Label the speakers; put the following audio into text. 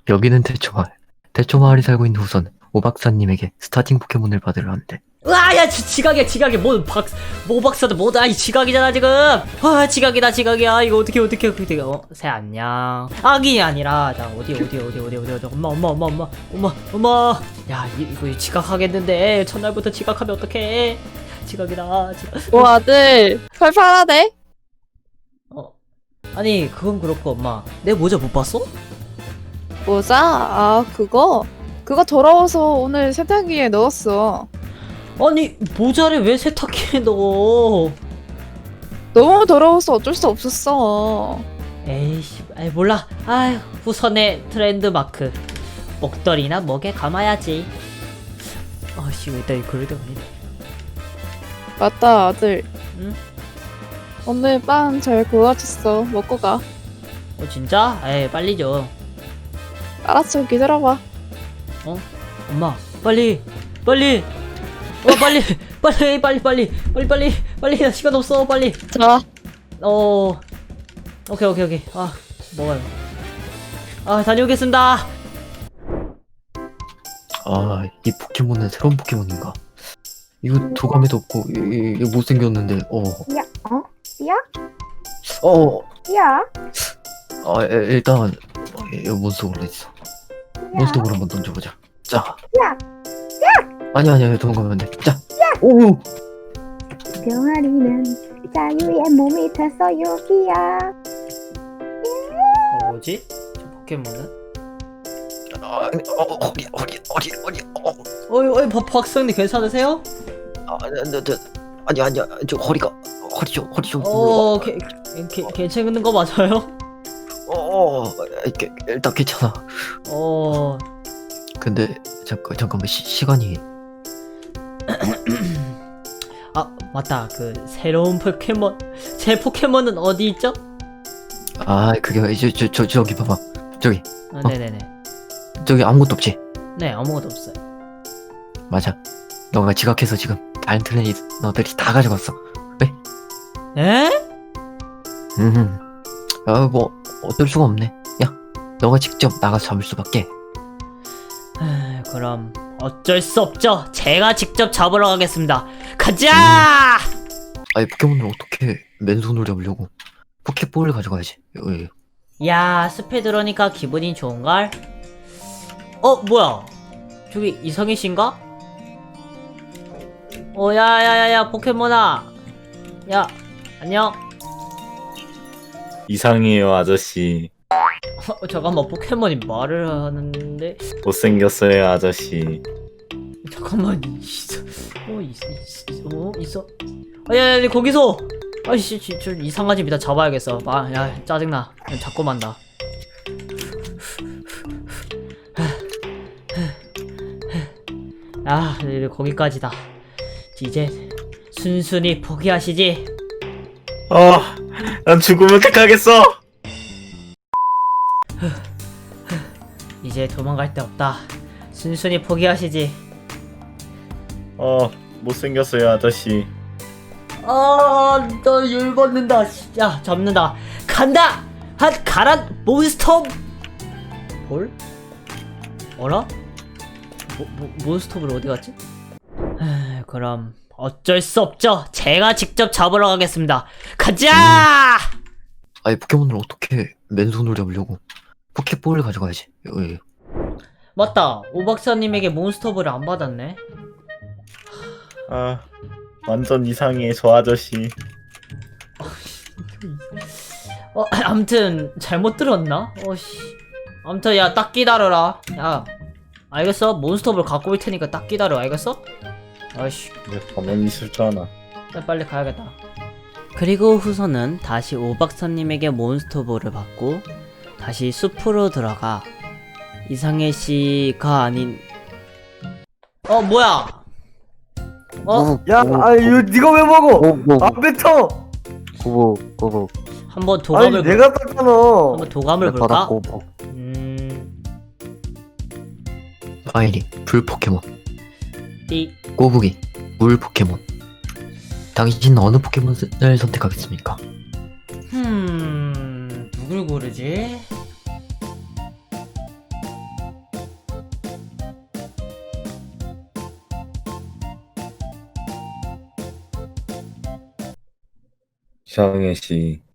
Speaker 1: 여기는 대초마을. 대초마을에 살고 있는 후손 오박사님에게 스타팅 포켓몬을 받으려 하는데.
Speaker 2: 으아, 야, 지각이야. 뭐 박사도 뭐다. 이 지각이잖아, 지금. 아, 지각이야. 이거 어떻게. 새 안녕. 악이 아니라, 자, 어디. 엄마. 야, 이거 지각하겠는데. 첫날부터 지각하면 어떡해. 지각.
Speaker 3: 오 아들 팔팔하네.
Speaker 2: 아니, 그건 그렇고, 엄마. 내 모자 못 봤어?
Speaker 3: 모자? 아 그거 더러워서 오늘 세탁기에 넣었어.
Speaker 2: 아니, 모자를 왜 세탁기에 넣어?
Speaker 3: 너무 더러워서 어쩔 수 없었어.
Speaker 2: 에이씨, 아이 몰라. 아휴, 후선의 트렌드 마크. 목도리나 목에 감아야지. 아씨, 왜 나 그럴 때 아니네.
Speaker 3: 맞다 아들.
Speaker 2: 응?
Speaker 3: 오늘 빵 잘 구워졌어. 먹고 가.
Speaker 2: 진짜? 에이, 빨리 줘.
Speaker 3: 알았어 기다려봐.
Speaker 2: 엄마, 빨리. 빨리. 나 시간 없어, 빨리.
Speaker 3: 자
Speaker 2: 오케이. 아, 먹어요. 아, 다녀오겠습니다.
Speaker 1: 아, 이 포켓몬은 새로운 포켓몬인가? 이거 도감에도 없고 이거 못생겼는데.
Speaker 4: 야, 야? 야?
Speaker 1: 일단 이거 몬스터로 있어. 몬스터로 한번 던져보자. 자.
Speaker 4: 야!
Speaker 1: 아니야, 도망가면 안 돼. 자. 오.
Speaker 4: 병아리는 자유의 몸이 돼서 여기야.
Speaker 2: 뭐지? 저 포켓몬은?
Speaker 1: 허리.
Speaker 2: 어이, 박사님 괜찮으세요?
Speaker 1: 아니야. 저 허리 좀.
Speaker 2: 괜찮은 거 맞아요?
Speaker 1: 일단 괜찮아. 근데 잠깐만 시간이.
Speaker 2: 아, 맞다. 그 새로운 포켓몬. 제 포켓몬은 어디 있죠?
Speaker 1: 그게 이제 저기 봐봐. 저기
Speaker 2: 네네네.
Speaker 1: 저기 아무것도 없지.
Speaker 2: 네, 아무것도 없어요.
Speaker 1: 맞아. 너가 지각해서 지금 다른 트레이너들이 다 가져갔어. 왜?
Speaker 2: 에?
Speaker 1: 뭐 어쩔 수가 없네. 야, 너가 직접 나가서 잡을 수밖에.
Speaker 2: 그럼 어쩔 수 없죠. 제가 직접 잡으러 가겠습니다. 가자!
Speaker 1: 아니, 포켓몬을 어떻게 맨손으로 잡으려고? 포켓볼을 가져가야지.
Speaker 2: 야, 숲에 들어오니까 기분이 좋은걸? 뭐야? 저기 이성희 씨인가? 야야야야, 포켓몬아. 야, 안녕.
Speaker 5: 이상해요 아저씨.
Speaker 2: 잠깐만, 포켓몬이 말을 하는데.
Speaker 5: 못생겼어요 아저씨.
Speaker 2: 잠깐만, 있어. 야, 거기서. 아이씨, 저 이상한 집 이따 잡아야겠어. 야, 짜증나. 그냥 잡고 만다. 거기까지다. 이제 순순히 포기하시지.
Speaker 5: 난 죽으면 택하겠어.
Speaker 2: 이제 도망갈 데 없다. 순순히 포기하시지.
Speaker 5: 못생겼어요 아저씨.
Speaker 2: 나 열받는다. 야, 잡는다. 간다. 가란 몬스터 볼? 어라? 몬스터볼 어디 갔지? 그럼 어쩔 수 없죠. 제가 직접 잡으러 가겠습니다. 가자!
Speaker 1: 아니, 포켓몬을 어떻게 맨손으로 잡으려고? 포켓볼을 가져가야지.
Speaker 2: 맞다. 오 박사님에게 몬스터볼을 안 받았네.
Speaker 5: 완전 이상해 저 아저씨.
Speaker 2: 암튼 잘못 들었나? 암튼 야, 딱 기다려라. 야, 알겠어? 몬스터볼 갖고 올 테니까 딱 기다려. 알겠어? 아이씨,
Speaker 5: 왜 가만히 있을 줄 아나.
Speaker 2: 빨리 가야겠다. 그리고 후손은 다시 오 박사님에게 몬스터볼을 받고 다시 숲으로 들어가 이상해 씨가 아닌 뭐야?
Speaker 6: 야, 이거 네가 왜 먹어? 안 뱉어.
Speaker 1: 고고.
Speaker 2: 한번 도감을
Speaker 6: 아니, 내가 땄잖아.
Speaker 2: 한번 도감을 볼까?
Speaker 1: 파이리 불 포켓몬.
Speaker 2: 띠.
Speaker 1: 꼬부기 물 포켓몬. 당신은 어느 포켓몬을 선택하겠습니까?
Speaker 2: 누굴 고르지?
Speaker 7: 이상해 씨.